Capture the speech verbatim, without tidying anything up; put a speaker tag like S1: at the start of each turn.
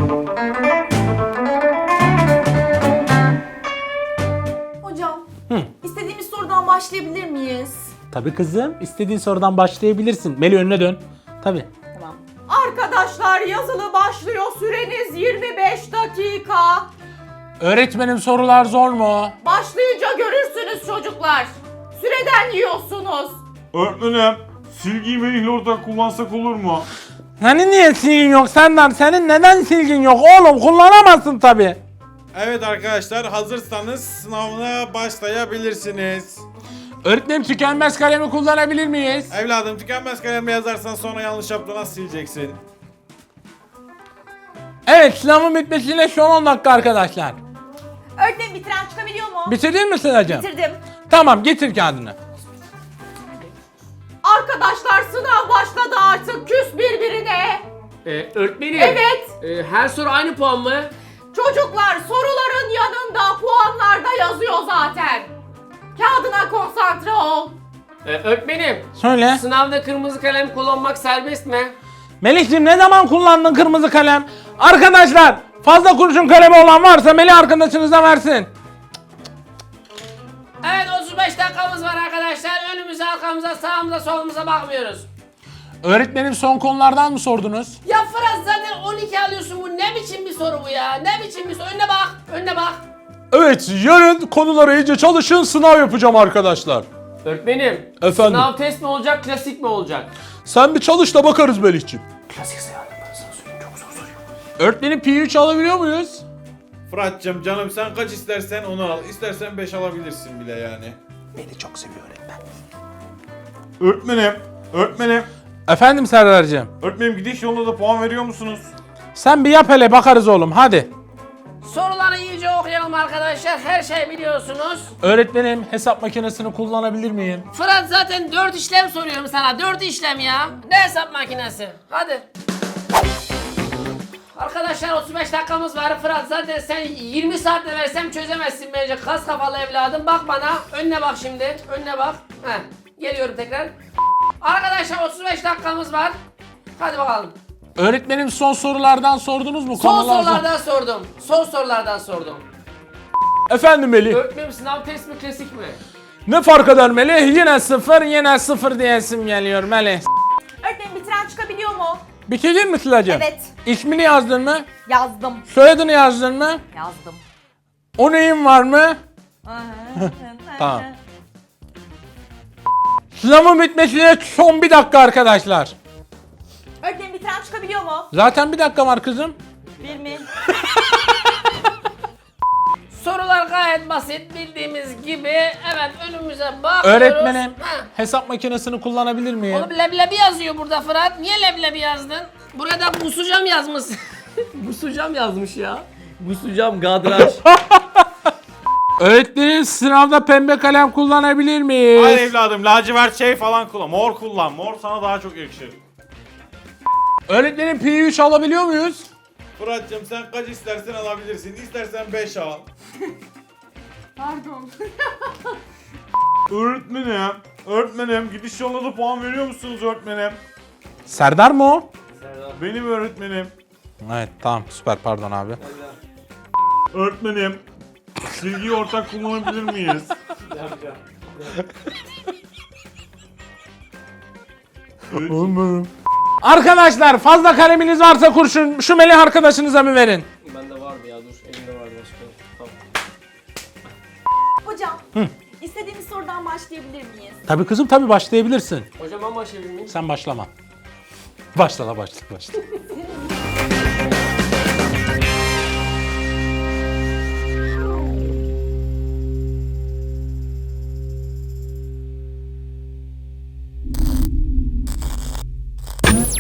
S1: Hocam,
S2: Hı.
S1: istediğimiz sorudan başlayabilir miyiz?
S2: Tabii kızım. İstediğin sorudan başlayabilirsin. Meli önüne dön. Tabii.
S1: Tamam. Arkadaşlar yazılı başlıyor. Süreniz yirmi beş dakika.
S2: Öğretmenim sorular zor mu?
S1: Başlayınca görürsünüz çocuklar. Süreden yiyorsunuz.
S3: Öğretmenim, silgiyi Melih'le ortak kullansak olur mu?
S2: Senin niye silgin yok Serdar? Senin neden silgin yok oğlum? Kullanamazsın tabii.
S4: Evet arkadaşlar, hazırsanız sınavına başlayabilirsiniz.
S2: Öğretmenim tükenmez kalemi kullanabilir miyiz?
S4: Evladım, tükenmez kalemle yazarsan sonra yanlış yaptığını nasıl sileceksin?
S2: Evet, sınavın bitmesine son on dakika arkadaşlar.
S1: Öğretmenim bitiren çıkabiliyor mu?
S2: Bitirdin mi Sıla'cığım?
S1: Bitirdim.
S2: Tamam, getir kağıdını.
S1: Arkadaşlar sınav başladı artık. Küs birbirine.
S5: Ee, öğretmenim.
S1: Evet.
S5: Ee, her soru aynı puan mı?
S1: Çocuklar soruların yanında puanlarda yazıyor zaten. Kağıdına konsantre ol.
S5: Ee, öğretmenim.
S2: Söyle.
S5: Sınavda kırmızı kalem kullanmak serbest mi?
S2: Melih'cim ne zaman kullandın kırmızı kalem? Arkadaşlar fazla kurşun kalemi olan varsa Melih arkadaşınıza versin.
S5: Evet, otuz beş dakikamız var arkadaşlar. Önümüze, arkamıza, sağımıza, solumuza bakmıyoruz.
S2: Öğretmenim son konulardan mı sordunuz?
S5: Ya Fırat, zaten on iki alıyorsun, bu ne biçim bir soru bu ya? Ne biçim bir soru? Önüne bak, önüne bak.
S2: Evet, yarın konulara iyice çalışın, sınav yapacağım arkadaşlar.
S5: Öğretmenim.
S2: Efendim?
S5: Sınav test mi olacak, klasik mi olacak?
S2: Sen bir çalış da bakarız Melih'ciğim.
S5: Klasik sınav, ben sana söyleyeyim, çok zor soruyor.
S2: Öğretmenim P üç alabiliyor muyuz?
S4: Fırat'cığım canım, sen kaç istersen onu al. İstersen beş alabilirsin bile yani.
S2: Beni çok seviyor öğretmen.
S4: Öğretmenim, öğretmenim.
S2: Efendim Serdar'cığım.
S4: Öğretmenim, gidiş yolunda da puan veriyor musunuz?
S2: Sen bir yap hele bakarız oğlum hadi.
S5: Soruları iyice okuyalım arkadaşlar. Her şey biliyorsunuz.
S2: Öğretmenim hesap makinesini kullanabilir miyim?
S5: Fırat, zaten dört işlem soruyorum sana. dört işlem ya. Ne hesap makinesi? Hadi. Arkadaşlar otuz beş dakikamız var. Fırat, zaten sen yirmi saatte versem çözemezsin bence. Kas kafalı evladım. Bak bana. Önüne bak şimdi. Önüne bak. Heh. Geliyorum tekrar. Arkadaşlar otuz beş dakikamız var. Hadi bakalım.
S2: Öğretmenim son sorulardan sordunuz mu?
S5: Son
S2: Konular-
S5: sorulardan sordum. Son sorulardan sordum.
S2: Efendim Melih.
S5: Öğretmenim, sınav test mi, klasik mi?
S2: Ne fark eder Melih? Yine sıfır yine sıfır diyesim geliyor Melih.
S1: Öğretmenim bitiren çıkabiliyor mu?
S2: Bitirdin mi Sıla'cığım?
S1: Evet.
S2: İsmini yazdın mı?
S1: Yazdım.
S2: Soyadını yazdın mı?
S1: Yazdım.
S2: O neyin var mı? Tamam. Sınavın bitmesine son bir dakika arkadaşlar.
S1: Öğretmenim bitiren çıkabiliyor mu?
S2: Zaten bir dakika var kızım.
S1: Bir mi?
S5: Sorular gayet basit, bildiğimiz gibi. Evet, önümüze bakıyoruz.
S2: Öğretmenim
S5: Ha.
S2: hesap makinesini kullanabilir miyim?
S5: Oğlum leblebi yazıyor burada Fırat. Niye leblebi yazdın? Burada busacam yazmış. Busacam yazmış ya. Busacam kadraj.
S2: Öğretmenim sınavda pembe kalem kullanabilir miyiz?
S4: Hayır evladım, lacivert şey falan kullan. Mor kullan. Mor sana daha çok yakışır.
S2: Öğretmenim P üç alabiliyor muyuz?
S4: Fırat'cığım, sen kaç istersen alabilirsin. İstersen beş al.
S1: Pardon.
S4: Öğretmenim, öğretmenim, gidiş yolunda da puan veriyor musunuz öğretmenim?
S2: Serdar mı o?
S4: Benim öğretmenim.
S2: Evet tamam süper pardon abi.
S4: Öğretmenim, silgiyi ortak kullanabilir miyiz?
S2: Arkadaşlar fazla kaleminiz varsa kurşun şu Melih arkadaşınıza mı verin?
S5: Bende vardı ya, dur. Elimde vardı başka. Tamam.
S1: Hocam, istediğimiz sorudan başlayabilir miyiz?
S2: Tabii kızım tabii başlayabilirsin.
S5: Hocam, ben başlayabilir miyim?
S2: Sen başlama. Başla la başla başla.